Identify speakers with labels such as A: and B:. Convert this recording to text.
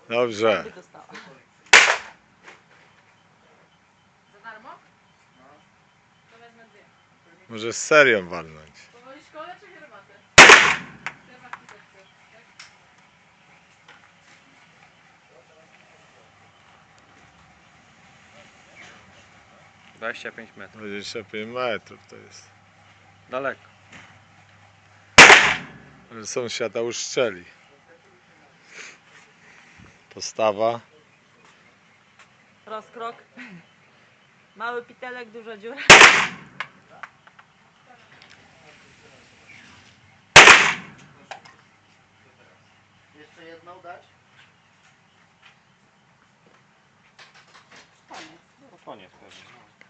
A: Dobrze.
B: By dostała. Za darmo? To wezmę dwie.
A: Może z serią walnąć.
B: Powoli szkołę czy herbatę? Herbatki też chcesz, tak?
C: - 25 metrów.
A: 25 metrów to jest.
C: Daleko.
A: Ale sąsiada uszczeli. Postawa.
B: Rozkrok. Mały pitelek, duża dziura.
D: Jeszcze jedną dać?
B: Koniec.
C: No koniec pewnie. No.